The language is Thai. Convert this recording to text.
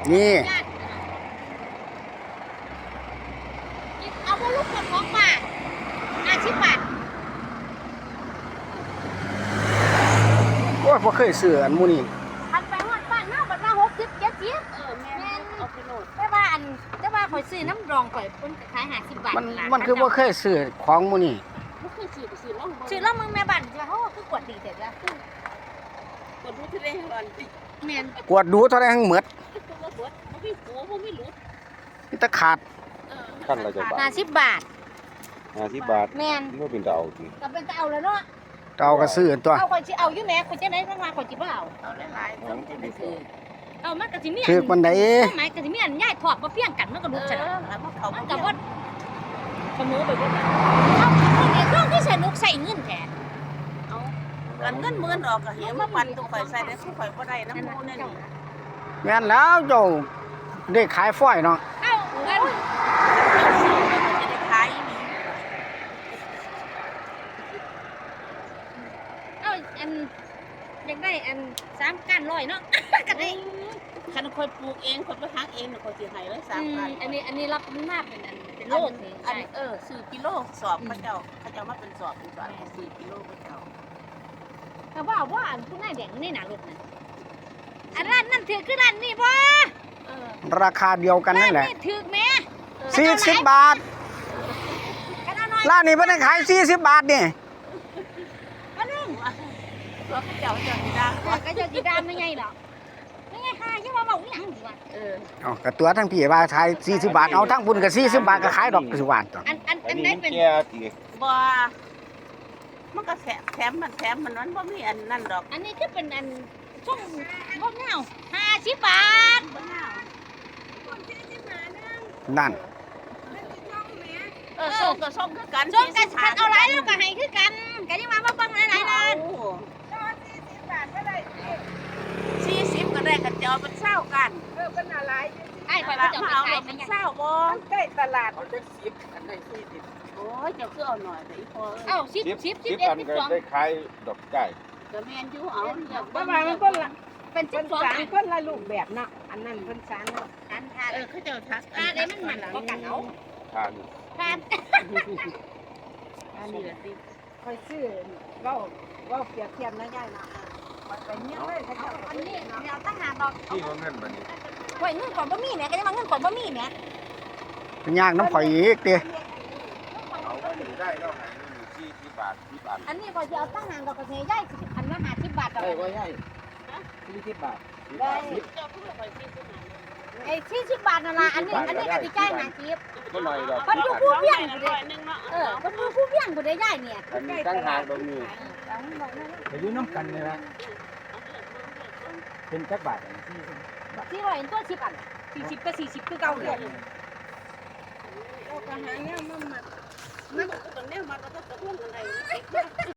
นี่เอาพวกลูกคนของมา50 บาทโอ้ยบ่เคยซื้ออันหมู่นี้ทันไปฮอดบ้านเฮาบัดว่า60 70แม่นเอาไปโหลดแต่ว่าข่อยซื้อน้ำรองข่อยเพิ่นขาย50 บาทมันคือบ่เคยซื้อของหมู่นี้บ่เคยซื้อแล้วซื้อแล้วมึงแม่บ้านสิว่าโอ้คือกวดดีแต่ละกดรู้ที่ได้ร้อนติแม่นกวดดูเท่าใดทั้งหมดบ่กดบ่มีหัวบ่มีหลุดมีแต่ขาดขั้นละจักบาท 50 บาท 50 บาทแม่นบ่เป็นตาเอาติก็เป็นตาเอาแล้วเนาะเอาก็ซื้อตัวเอาข่อยสิเอาอยู่แม่ข่อยจะได้ทั้งว่าข่อยสิบ่เอาหลายๆต้องจะได้ซื้อเอามันก็สิมีถือปานใดหมายก็สิมีอันย้ายถอดบ่เพียงกันมันก็ดูซะแล้วมันเขามันก็บ่ขโมยไปบ่เอาคนนี้ก็คือสนุกใส่เงินแท้เอากันเงินหมื่นออกก็เหี่ยมาปั่นตัวข่อยใส่ได้ผู้ข่อยบ่ได้น้ำมูนี่แม่นแล้วเจ้าได้ขายฝอยเนาะเอาเงินจะได้ขายนี่เอาอันอยากได้อัน3ก้าน100เนาะก็ได้คันข่อยปลูกเองข่อยไปหักเองน่ะข่อยสิให้ไว้3บาทอันนี้รับมาเป็นอันเป็นโลนี่อันซื้อกิโลสอบเขาเจ้ามาเป็นสอบ4 กิโลเขาเจ้าแต่ว่าอันผู้นายแดงนี่น่ะรถน่ะอันร้านนั่นถือคือร้านนี้บ่ราคาเดียวกันนั่นแหละนี่ถือแม่ 40 บาทร้านนี้เพิ่นให้ขาย40 บาทนี่อันนึงแล้วเขาเจ้าสิด่าก็จะสิดามไม่ไงหรอกไม่ไงค่ะยังว่าเว้าอีหยังดีวะเอาก็ตัวทั้งพี่ว่าขาย40 บาทเอาทั้งพุ่นก็40 บาทก็ขายดอกสิว่าตัวอันไหนเป็นบ่มันก็แถมมันบ่มีอันนั่นดอกอันนี้คือเป็นอันช่วงบ่เงา50 บาทบ่เงานั่นส่งก็ส่งคือกันส่งกันคันเอาหลายแล้วก็ให้คือกันก็ยังว่าบ่เบิ่งหลายๆนั่น 40 บาทก็ได้40ก็ได้กันจะเอาเป็น20กันเป็นอะไรไอ้ข่อยบ่จะเอาขายเป็น20บ่ใกล้ตลาดเอาจัก10อันได้40 โอ้ยเจ้าคือเอาหน่อยแต่อีพอเอ้า10 10อันก็ได้ขายดอกไก่ก็แม่นอยู่เอาอยากประมาณมันก็ละเป็น 12อันคนละรูปแบบเนาะอันนั้นเพิ่นสานอันทานเขาเจ้าทักได้มันก็กันเอาทานทานอันนี้ล่ะติค่อยซื้อเว้าเปรียบเทียบนะยายเนาะไปเฮียเลยเขาเจ้าอันนี้แนวตั้งหาดอกที่เงินบัดนี้ข่อยเงินก่อนบ่มีแหมก็ยังว่าเงินก่อนบ่มีแหมเป็นย่างน้ำข่อยอีกติเอาไปได้แล้วให้40 บาท10อันอันนี้ก็จะเอาตั้งหางดอกกระเทยใหญ่อันละ50 บาทดอกได้บ่ใหญ่40 บาทเจ้าคือข่อยซื้อมาไอ้40 บาทนั่นล่ะอันนี้ก็สิจ่าย50 ก็หน่อยดอกเพิ่นอยู่ผู้เพียงผู้ใดเพิ่นอยู่ผู้เพียงผู้ใดย้ายเนี่ยอันนี้ตั้งหากตรงนี้ไปอยู่น้ำกันนี่ล่ะเป็นจักบาท 400ตัว10อัน40ก็40คือเก่าเลยก็หาแนวมันก็ต้องแนวมันก็ต้องตะพุ่งกันได้